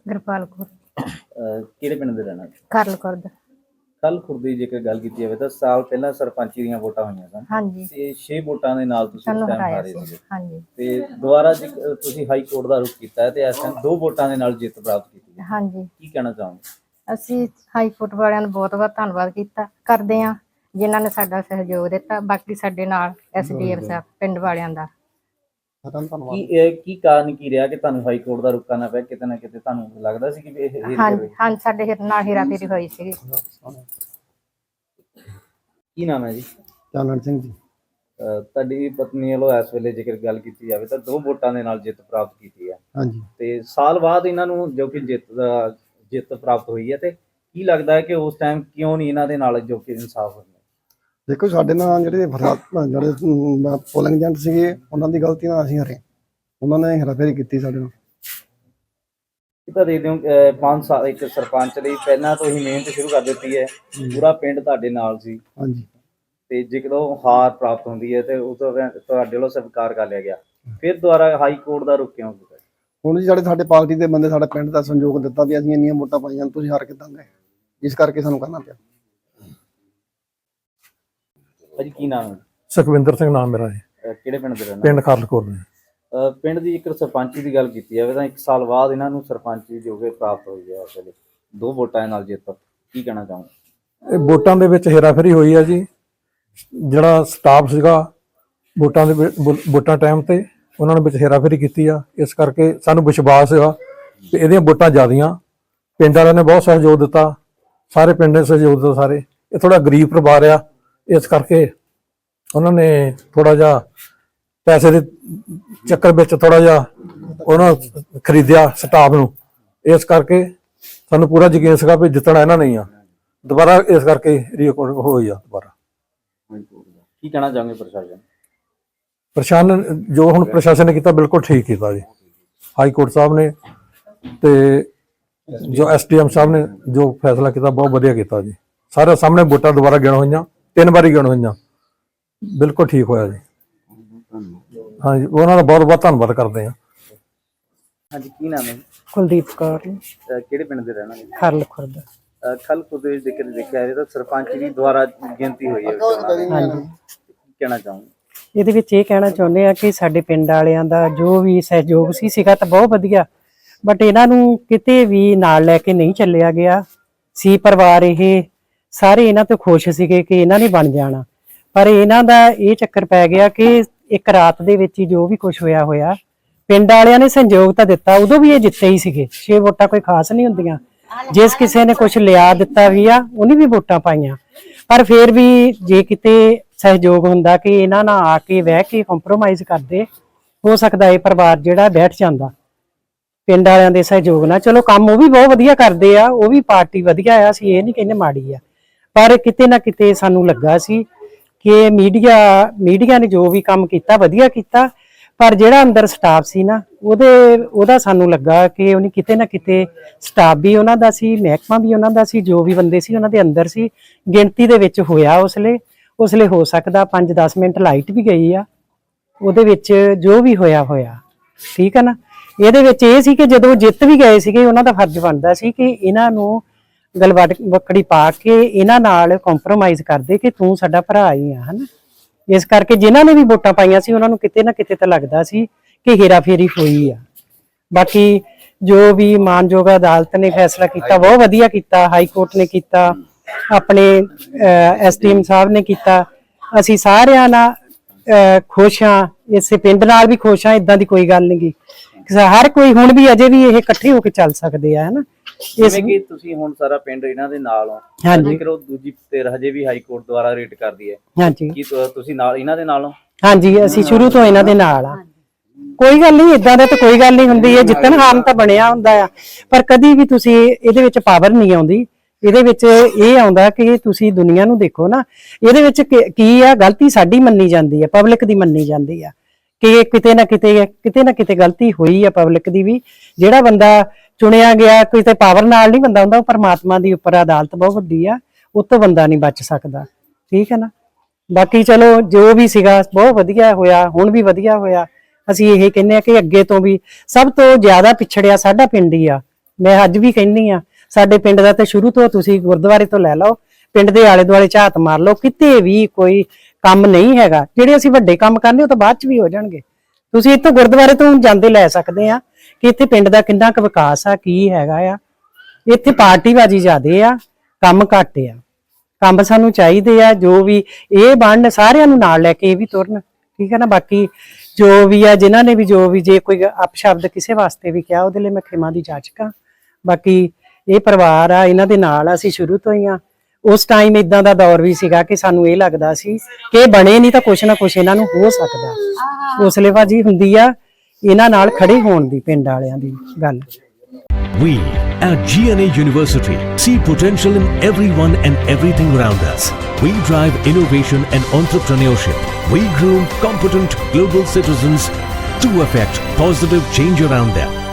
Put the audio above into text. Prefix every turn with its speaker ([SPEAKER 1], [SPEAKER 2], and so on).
[SPEAKER 1] ਗੁਰਪਾਲ ਕੌਰ।
[SPEAKER 2] ਕਿਹੜੇ ਪਿੰਡ ਦੇ ਰਹਿਣਾ?
[SPEAKER 1] ਕਰਲ ਖੁਰਦ।
[SPEAKER 2] ਕੱਲ ਖੁਰਦੀ ਜੇਕਰ ਗੱਲ ਕੀਤੀ ਜਾਵੇ ਤਾਂ ਸਾਲ ਪਹਿਲਾਂ ਸਰਪੰਚੀ ਦੀਆਂ ਵੋਟਾਂ ਹੋਈਆਂ ਸਨ
[SPEAKER 1] ਹਾਂਜੀ
[SPEAKER 2] ਤੇ 6 ਵੋਟਾਂ ਦੇ ਨਾਲ ਤੁਸੀਂ ਉਸ
[SPEAKER 1] ਸਾਨੂੰ
[SPEAKER 2] ਟਾਈਮ
[SPEAKER 1] ਹਰਾਇਆ
[SPEAKER 2] ਹਾਰੇ
[SPEAKER 1] ਸੀ।
[SPEAKER 2] ਸੀਗੇ
[SPEAKER 1] ਹਾਂਜੀ
[SPEAKER 2] ਤੇ ਦੁਬਾਰਾ ਤੁਸੀਂ ਹਾਈ ਕੋਰਟ ਦਾ ਰੁਖ ਕੀਤਾ ਹੈ ਤੇ ਇਸ ਟਾਈਮ 2 ਵੋਟਾਂ ਦੇ ਨਾਲ ਜਿੱਤ ਪ੍ਰਾਪਤ ਕੀਤੀ ਹੈ।
[SPEAKER 1] ਹਾਂਜੀ
[SPEAKER 2] ਕੀ ਕਹਿਣਾ ਚਾਹੋਗੇ?
[SPEAKER 1] ਅਸੀਂ ਹਾਈ ਕੋਰਟ ਵਾਲਿਆਂ ਦਾ ਬਹੁਤ ਬਹੁਤ ਧੰਨਵਾਦ ਕਰਦੇ ਹਾਂ ਜਿਨ੍ਹਾਂ ਨੇ ਸਾਡਾ ਸਹਿਯੋਗ ਦਿੱਤਾ। ਬਾਕੀ ਸਾਡੇ ਨਾਲ ਐਸਡੀਐਮ ਸਾਹਿਬ ਪਿੰਡ ਵਾਲਿਆਂ ਦਾ
[SPEAKER 2] ਕੀ ਕਾਰਨ ਕੀ ਰਿਹਾ ਕਿ ਤੁਹਾਨੂੰ ਹਾਈ ਕੋਰਟ ਦਾ ਰੁਖ ਕਰਨਾ ਪਿਆ? ਕਿਤੇ ਨਾ ਕਿਤੇ ਤੁਹਾਨੂੰ ਲੱਗਦਾ ਸੀ ਕਿ ਇਹ ਹੀਰ
[SPEAKER 1] ਹਾਂਜੀ ਹਾਂਜੀ ਸਾਡੇ ਨਾਲ ਹੇਰਾਫੇਰੀ ਹੋਈ ਸੀ।
[SPEAKER 2] ਕੀ ਨਾਮ ਹੈ ਜੀ?
[SPEAKER 3] ਚਾਨਣ ਸਿੰਘ ਜੀ।
[SPEAKER 2] ਤੁਹਾਡੀ ਪਤਨੀ ਵੱਲੋਂ ਇਸ ਵੇਲੇ ਜੇਕਰ ਗੱਲ ਕੀਤੀ ਜਾਵੇ ਤਾਂ 2 ਵੋਟਾਂ ਦੇ ਨਾਲ ਜਿੱਤ ਪ੍ਰਾਪਤ ਕੀਤੀ ਹੈ
[SPEAKER 3] ਹਾਂਜੀ
[SPEAKER 2] ਤੇ ਸਾਲ ਬਾਅਦ ਇਹਨਾਂ ਨੂੰ ਜੋ ਕਿ ਜਿੱਤ ਪ੍ਰਾਪਤ ਹੋਈ ਹੈ ਤੇ ਕੀ ਲੱਗਦਾ ਹੈ ਕਿ ਉਸ ਟਾਈਮ ਕਿਉਂ ਨਹੀਂ ਇਹਨਾਂ ਦੇ ਨਾਲ ਜੋ ਕਿ ਇਨਸਾਫ ਹੋਇਆ?
[SPEAKER 3] ਦੇਖੋ ਸਾਡੇ ਨਾਲ ਜਿਹੜੇ ਪੋਲਿੰਗ ਏਜੰਟ ਸੀਗੇ ਉਹਨਾਂ ਦੀ ਗਲਤੀ ਨਾਲ ਅਸੀਂ ਹਰੇ। ਉਹਨਾਂ ਨੇ ਹੇਰਾਫੇਰੀ ਕੀਤੀ ਸਾਡੇ ਨਾਲ।
[SPEAKER 2] ਤਾਂ ਦੇ ਦਿਓ 5 ਸਾਲ ਇੱਕ ਸਰਪੰਚ ਲਈ ਪਹਿਲਾਂ ਤੋਂ ਹੀ ਮਿਹਨਤ ਸ਼ੁਰੂ ਕਰ ਦਿੱਤੀ ਹੈ। ਪੂਰਾ ਪਿੰਡ ਤੁਹਾਡੇ ਨਾਲ ਸੀ
[SPEAKER 3] ਹਾਂਜੀ
[SPEAKER 2] ਤੇ ਜਦੋਂ ਹਾਰ ਪ੍ਰਾਪਤ ਹੁੰਦੀ ਹੈ ਤੇ ਉਹ ਤੁਹਾਡੇ ਵੱਲੋਂ ਸਵੀਕਾਰ ਕਰ ਲਿਆ ਗਿਆ, ਫਿਰ ਦੁਬਾਰਾ ਹਾਈ ਕੋਰਟ ਦਾ ਰੁਖ ਕਿਉਂ ਕੀਤਾ?
[SPEAKER 3] ਹੁਣ ਜੀ ਸਾਡੇ ਪਾਰਟੀ ਦੇ ਬੰਦੇ ਸਾਡੇ ਪਿੰਡ ਦਾ ਸੰਯੋਗ ਦਿੱਤਾ ਵੀ ਅਸੀਂ ਇੰਨੀਆਂ ਵੋਟਾਂ ਪਾਈਆਂ ਤੁਸੀਂ ਹਾਰ ਕਿੱਦਾਂ ਗਏ, ਇਸ ਕਰਕੇ ਸਾਨੂੰ ਕਰਨਾ ਪਿਆ।
[SPEAKER 2] ਭਾਜੀ ਕੀ ਨਾਮ ਹੈ?
[SPEAKER 4] ਸੁਖਵਿੰਦਰ ਸਿੰਘ ਨਾਮ ਮੇਰਾ ਹੈ।
[SPEAKER 2] ਕਿਹੜੇ ਪਿੰਡ ਦੇ ਰਹਿਣਾ?
[SPEAKER 4] ਪਿੰਡ ਖਾਰਲਕੋਟ ਨੇ।
[SPEAKER 2] ਪਿੰਡ ਦੀ ਇੱਕ ਸਰਪੰਚੀ ਦੀ ਗੱਲ ਕੀਤੀ ਜਾਵੇ ਤਾਂ 1 ਸਾਲ ਬਾਅਦ ਇਹਨਾਂ ਨੂੰ ਸਰਪੰਚੀ ਜੋ ਕਿ ਪ੍ਰਾਪਤ ਹੋਈ ਹੈ ਇਸ ਵੇਲੇ 2 ਵੋਟਾਂ ਨਾਲ ਜਿੱਤ। ਕੀ ਕਹਿਣਾ ਚਾਹੋਗੇ?
[SPEAKER 4] ਇਹ ਵੋਟਾਂ ਦੇ ਵਿੱਚ ਹੇਰਾਫੇਰੀ ਹੋਈ ਹੈ ਜੀ। ਜਿਹੜਾ ਸਟਾਫ ਸੀਗਾ ਵੋਟਾਂ ਟਾਈਮ ਤੇ ਉਹਨਾਂ ਨੇ ਵਿੱਚ ਹੇਰਾਫੇਰੀ ਕੀਤੀ ਆ। ਇਸ ਕਰਕੇ ਸਾਨੂੰ ਵਿਸ਼ਵਾਸ ਸੀਗਾ ਕਿ ਇਹਦੀਆਂ ਵੋਟਾਂ ਜ਼ਿਆਦੀਆਂ। ਪਿੰਡ ਵਾਲਿਆਂ ਨੇ ਬਹੁਤ ਸਹਿਯੋਗ ਦਿੱਤਾ, ਸਾਰੇ ਪਿੰਡ ਨੇ ਸਹਿਯੋਗ ਦਿੱਤਾ। ਸਾਰੇ ਇਹ ਥੋੜਾ ਗਰੀਬ ਪਰਿਵਾਰ ਆ, ਇਸ ਕਰਕੇ ਉਹਨਾਂ ਨੇ ਥੋੜਾ ਜਿਹਾ ਪੈਸੇ ਦੇ ਚੱਕਰ ਵਿੱਚ ਥੋੜਾ ਜਿਹਾ ਉਹਨਾਂ ਖਰੀਦਿਆ ਸਟਾਫ ਨੂੰ। ਇਸ ਕਰਕੇ ਸਾਨੂੰ ਪੂਰਾ ਯਕੀਨ ਸੀਗਾ ਵੀ ਜਿੱਤਣਾ ਇਹਨਾਂ ਨੇ ਆ ਦੁਬਾਰਾ। ਇਸ ਕਰਕੇ ਰੀਕਾਊਂਟ ਹੋਈ ਆ ਦੁਬਾਰਾ।
[SPEAKER 2] ਕੀ ਕਹਿਣਾ ਚਾਹੋਗੇ
[SPEAKER 4] ਪ੍ਰਸ਼ਾਸਨ ਜੋ ਹੁਣ ਪ੍ਰਸ਼ਾਸਨ ਨੇ ਕੀਤਾ ਬਿਲਕੁਲ ਠੀਕ ਕੀਤਾ ਜੀ। ਹਾਈ ਕੋਰਟ ਸਾਹਿਬ ਨੇ ਤੇ ਜੋ ਐਸਡੀਐਮ ਸਾਹਿਬ ਨੇ ਜੋ ਫੈਸਲਾ ਕੀਤਾ ਬਹੁਤ ਵਧੀਆ ਕੀਤਾ ਜੀ। ਸਾਰੇ ਸਾਹਮਣੇ ਵੋਟਾਂ ਦੁਬਾਰਾ ਗਿਣ ਹੋਈਆਂ, 3 ਵਾਰੀ ਗਿਣ ਹੋਈਆਂ, ਬਿਲਕੁਲ ਠੀਕ ਹੋਇਆ ਜੀ। ਹਾਂਜੀ ਉਹਨਾਂ ਦਾ ਬਹੁਤ ਬਹੁਤ ਧੰਨਵਾਦ ਕਰਦੇ ਹਾਂ।
[SPEAKER 2] ਹਾਂਜੀ ਕੀ ਨਾਮ ਹੈ?
[SPEAKER 1] ਕੁਲਦੀਪ ਕੌਰ।
[SPEAKER 2] ਕਿਹੜੇ ਪਿੰਡ ਦੇ ਰਹਿਣਾ?
[SPEAKER 1] ਕਰਲ ਖੁਰਦ।
[SPEAKER 2] ਕੱਲ ਖੁਦ ਵਿੱਚ ਦੇਖਿਆ ਜਾਵੇ ਤਾਂ ਸਰਪੰਚ ਦੀ ਦੁਆਰਾ ਗਿਣਤੀ ਹੋਈ ਹੈ।
[SPEAKER 1] ਹਾਂਜੀ
[SPEAKER 2] ਕੀ ਕਹਿਣਾ ਚਾਹੋਗੇ?
[SPEAKER 5] ਇਹਦੇ ਵਿੱਚ ਇਹ ਕਹਿਣਾ ਚਾਹੁੰਦੇ ਆ ਕਿ ਸਾਡੇ ਪਿੰਡ ਵਾਲਿਆਂ ਦਾ ਜੋ ਵੀ ਸਹਿਯੋਗ ਸੀਗਾ ਤਾਂ ਬਹੁਤ ਵਧੀਆ, ਬਟ ਇਹਨਾਂ ਨੂੰ ਕਿਤੇ ਵੀ ਨਾਲ ਲੈ ਕੇ ਨਹੀਂ ਚੱਲਿਆ ਗਿਆ ਸੀ। ਪਰਿਵਾਰ ਇਹ ਸਾਰੇ ਇਹਨਾਂ ਤੋਂ ਖੁਸ਼ ਸੀਗੇ ਕਿ ਇਹਨਾਂ ਨੇ ਬਣ ਜਾਣਾ, ਪਰ ਇਹਨਾਂ ਦਾ ਇਹ ਚੱਕਰ ਪੈ ਗਿਆ ਕਿ ਇੱਕ ਰਾਤ ਦੇ ਵਿੱਚ ਹੀ ਜੋ ਵੀ ਕੁਝ ਹੋਇਆ ਪਿੰਡ ਵਾਲਿਆਂ ਨੇ ਸਹਿਯੋਗ ਤਾਂ ਦਿੱਤਾ, ਉਦੋਂ ਵੀ ਇਹ ਜਿੱਤੇ ਹੀ ਸੀਗੇ। 6 ਵੋਟਾਂ ਕੋਈ ਖਾਸ ਨਹੀਂ ਹੁੰਦੀਆਂ। ਜਿਸ ਕਿਸੇ ਨੇ ਕੁਝ ਲਿਆ ਦਿੱਤਾ ਵੀ ਆ ਉਹਨੇ ਵੀ ਵੋਟਾਂ ਪਾਈਆਂ, ਪਰ ਫਿਰ ਵੀ ਜੇ ਕਿਤੇ ਸਹਿਯੋਗ ਹੁੰਦਾ ਕਿ ਇਹਨਾਂ ਨਾਲ ਆ ਕੇ ਬਹਿ ਕੇ ਕੰਪਰੋਮਾਈਜ਼ ਕਰਦੇ, ਹੋ ਸਕਦਾ ਇਹ ਪਰਿਵਾਰ ਜਿਹੜਾ ਬੈਠ ਜਾਂਦਾ ਪਿੰਡ ਵਾਲਿਆਂ ਦੇ ਸਹਿਯੋਗ ਨਾਲ। ਚਲੋ ਕੰਮ ਉਹ ਵੀ ਬਹੁਤ ਵਧੀਆ ਕਰਦੇ ਆ, ਉਹ ਵੀ ਪਾਰਟੀ ਵਧੀਆ ਆ, ਅਸੀਂ ਇਹ ਨਹੀਂ ਕਹਿੰਦੇ ਮਾੜੀ ਆ, ਪਰ ਕਿਤੇ ਨਾ ਕਿਤੇ ਸਾਨੂੰ ਲੱਗਾ ਸੀ ਕਿ ਮੀਡੀਆ ਨੇ ਜੋ ਵੀ ਕੰਮ ਕੀਤਾ ਵਧੀਆ ਕੀਤਾ, ਪਰ ਜਿਹੜਾ ਅੰਦਰ ਸਟਾਫ ਸੀ ਨਾ ਉਹਦਾ ਸਾਨੂੰ ਲੱਗਾ ਕਿ ਉਹਨੇ ਕਿਤੇ ਨਾ ਕਿਤੇ ਸਟਾਫ ਵੀ ਉਹਨਾਂ ਦਾ ਸੀ, ਮਹਿਕਮਾ ਵੀ ਉਹਨਾਂ ਦਾ ਸੀ, ਜੋ ਵੀ ਬੰਦੇ ਸੀ ਉਹਨਾਂ ਦੇ ਅੰਦਰ ਸੀ। ਗਿਣਤੀ ਦੇ ਵਿੱਚ ਹੋਇਆ ਉਸਲੇ ਹੋ ਸਕਦਾ 5-10 ਮਿੰਟ ਲਾਈਟ ਵੀ ਗਈ ਆ, ਉਹਦੇ ਵਿੱਚ ਜੋ ਵੀ ਹੋਇਆ ਠੀਕ ਹੈ ਨਾ। ਇਹਦੇ ਵਿੱਚ ਇਹ ਸੀ ਕਿ ਜਦੋਂ ਜਿੱਤ ਵੀ ਗਏ ਸੀਗੇ ਉਹਨਾਂ ਦਾ ਫਰਜ਼ ਬਣਦਾ ਸੀ ਕਿ ਇਹਨਾਂ ਨੂੰ ਗਲਵੱਕੜੀ ਪਾ ਕੇ ਇਹਨਾਂ ਨਾਲ ਕੰਪਰੋਮਾਈਜ਼ ਕਰਦੇ ਕਿ ਤੂੰ ਸਾਡਾ ਭਰਾ ਹੀ ਆ, ਹਨਾ। ਇਸ ਕਰਕੇ ਜਿਨ੍ਹਾਂ ਨੇ ਵੀ ਵੋਟਾਂ ਪਾਈਆਂ ਸੀ ਉਹਨਾਂ ਨੂੰ ਕਿਤੇ ਨਾ ਕਿਤੇ ਤਾਂ ਲੱਗਦਾ ਸੀ ਕਿ ਹੇਰਾਫੇਰੀ ਹੋਈ ਆ। ਬਾਕੀ ਜੋ ਵੀ ਮਾਨਯੋਗ ਅਦਾਲਤ ਨੇ ਫੈਸਲਾ ਕੀਤਾ ਬਹੁਤ ਵਧੀਆ ਕੀਤਾ, ਹਾਈ ਕੋਰਟ ਨੇ ਕੀਤਾ, ਆਪਣੇ ਐਸਡੀਐਮ ਸਾਹਿਬ ਨੇ ਕੀਤਾ। ਅਸੀਂ ਸਾਰਿਆਂ ਨਾਲ ਖੁਸ਼ ਹਾਂ, ਇਸੇ ਪਿੰਡ ਨਾਲ ਵੀ ਖੁਸ਼ ਹਾਂ। ਇਦਾਂ ਦੀ ਕੋਈ ਗੱਲ ਨਹੀਂ ਗੀ, ਹਰ ਕੋਈ ਹੁਣ ਵੀ ਅਜੇ ਵੀ ਇਹ ਇਕੱਠੇ ਹੋ ਕੇ ਚੱਲ ਸਕਦੇ ਆ, ਹਨਾ।
[SPEAKER 2] ਜਿਵੇਂ ਕਿ ਤੁਸੀਂ ਹੁਣ ਸਾਰਾ ਪਿੰਡ ਇਹਨਾਂ ਦੇ ਨਾਲ ਹੋ, ਜੇਕਰ ਉਹ ਦੂਜੀ ਧਿਰ ਹਜੇ ਵੀ ਹਾਈ ਕੋਰਟ ਦੁਆਰਾ ਰੇਟ ਕਰਦੀ ਹੈ,
[SPEAKER 5] ਹਾਂਜੀ,
[SPEAKER 2] ਕੀ ਤੁਸੀਂ ਨਾਲ ਇਹਨਾਂ ਦੇ ਨਾਲ ਹੋ?
[SPEAKER 5] ਹਾਂਜੀ ਅਸੀਂ ਸ਼ੁਰੂ ਤੋਂ ਇਹਨਾਂ ਦੇ ਨਾਲ ਆ। ਕੋਈ ਗੱਲ ਨਹੀਂ, ਇਦਾਂ ਦਾ ਤਾਂ ਕੋਈ ਗੱਲ ਨਹੀਂ ਹੁੰਦੀ। ਇਹ ਜਿੱਤਣ ਹਾਰਨ ਤਾਂ ਬਣਿਆ ਹੁੰਦਾ ਆ, ਪਰ ਕਦੀ ਵੀ ਤੁਸੀਂ ਇਹਦੇ ਵਿੱਚ ਪਾਵਰ ਨਹੀਂ ਆਉਂਦੀ। ਇਹਦੇ ਵਿੱਚ ਇਹ ਆਉਂਦਾ ਕਿ ਤੁਸੀਂ ਦੁਨੀਆ ਨੂੰ ਦੇਖੋ ਨਾ, ਇਹਦੇ ਵਿੱਚ ਕੀ ਆ, ਗਲਤੀ ਸਾਡੀ ਮੰਨੀ ਜਾਂਦੀ ਹੈ, ਪਬਲਿਕ ਦੀ ਮੰਨੀ ਜਾਂਦੀ ਆ ਕਿ ਕਿਤੇ ਨਾ ਕਿਤੇ ਗਲਤੀ ਹੋਈ ਆ ਪਬਲਿਕ ਦੀ ਵੀ। ਜਿਹੜਾ ਬੰਦਾ ਚੁਣਿਆ ਗਿਆ ਕਿਤੇ ਪਾਵਰ ਨਾਲ ਨਹੀਂ ਬੰਦਾ ਹੁੰਦਾ, ਉਹ ਪਰਮਾਤਮਾ ਦੀ ਉੱਪਰ ਅਦਾਲਤ ਬਹੁਤ ਵੱਡੀ ਆ, ਉਹ ਤੋਂ ਬੰਦਾ ਨਹੀਂ ਬਚ ਸਕਦਾ, ਠੀਕ ਹੈ ਨਾ। ਬਾਕੀ ਚਲੋ ਜੋ ਵੀ ਸੀਗਾ ਬਹੁਤ ਵਧੀਆ ਹੋਇਆ, ਹੁਣ ਵੀ ਵਧੀਆ ਹੋਇਆ। ਅਸੀਂ ਇਹ ਕਹਿੰਦੇ ਆ ਕਿ ਅੱਗੇ ਤੋਂ ਵੀ ਸਭ ਤੋਂ ਜ਼ਿਆਦਾ ਪਿਛੜਿਆ ਸਾਡਾ ਪਿੰਡ ਹੀ ਆ, ਮੈਂ ਅੱਜ ਵੀ ਕਹਿੰਦੀ ਆ, ਸਾਡੇ ਪਿੰਡ ਦਾ ਤੇ ਸ਼ੁਰੂ ਤੋਂ ਤੁਸੀਂ ਗੁਰਦੁਆਰੇ ਤੋਂ ਲੈ ਲਓ, ਪਿੰਡ ਦੇ ਆਲੇ ਦੁਆਲੇ ਝਾਤ ਮਾਰ ਲਓ, ਕਿਤੇ ਵੀ ਕੋਈ ਕੰਮ ਨਹੀਂ ਹੈਗਾ। ਜਿਹੜੇ ਅਸੀਂ ਵੱਡੇ ਕੰਮ ਕਰਨੇ ਉਹ ਤਾਂ ਬਾਅਦ ਚ ਵੀ ਹੋ ਜਾਣਗੇ। ਤੁਸੀਂ ਇੱਥੋਂ ਗੁਰਦੁਆਰੇ ਤੋਂ ਜਾਂਦੇ ਲੈ ਸਕਦੇ ਆ ਕਿ ਇੱਥੇ ਪਿੰਡ ਦਾ ਕਿੰਨਾ ਕੁ ਵਿਕਾਸ ਆ, ਕੀ ਹੈਗਾ ਆ। ਇੱਥੇ ਪਾਰਟੀਬਾਜ਼ੀ ਜ਼ਿਆਦੇ ਆ, ਕੰਮ ਘੱਟ ਆ। ਕੰਮ ਸਾਨੂੰ ਚਾਹੀਦੇ ਆ, ਜੋ ਵੀ ਇਹ ਬਣਨ ਸਾਰਿਆਂ ਨੂੰ ਨਾਲ ਲੈ ਕੇ ਇਹ ਵੀ ਤੁਰਨ, ਠੀਕ ਹੈ ਨਾ। ਬਾਕੀ ਜੋ ਵੀ ਆ, ਜਿਨ੍ਹਾਂ ਨੇ ਵੀ ਜੋ ਵੀ ਜੇ ਕੋਈ ਅਪਸ਼ਬਦ ਕਿਸੇ ਵਾਸਤੇ ਵੀ ਕਿਹਾ, ਉਹਦੇ ਲਈ ਮੈਂ ਖਿਮਾ ਦੀ ਜਾਚਕਾਂ। ਬਾਕੀ ਇਹ ਪਰਿਵਾਰ ਆ, ਇਹਨਾਂ ਦੇ ਨਾਲ ਆ, ਅਸੀਂ ਸ਼ੁਰੂ ਤੋਂ ਹੀ ਆ। ਉਸ ਟਾਈਮ ਇਦਾਂ ਦਾ ਦੌਰ ਵੀ ਸੀਗਾ ਕਿ ਸਾਨੂੰ ਇਹ ਲੱਗਦਾ ਸੀ ਕਿ ਇਹ ਬਣੇ ਨਹੀਂ ਤਾਂ ਕੁਛ ਨਾ ਕੁਛ ਇਹਨਾਂ ਨੂੰ ਹੋ ਸਕਦਾ। ਹੌਸਲੇਬਾਜ਼ੀ ਹੁੰਦੀ ਆ ਇਹਨਾਂ ਨਾਲ ਖੜੇ ਹੋਣ ਦੀ, ਪਿੰਡ ਵਾਲਿਆਂ ਦੀ ਗੱਲ।
[SPEAKER 6] We at GNA University see potential in everyone and everything around us. We drive innovation and entrepreneurship. We groom competent global citizens to affect positive change around them.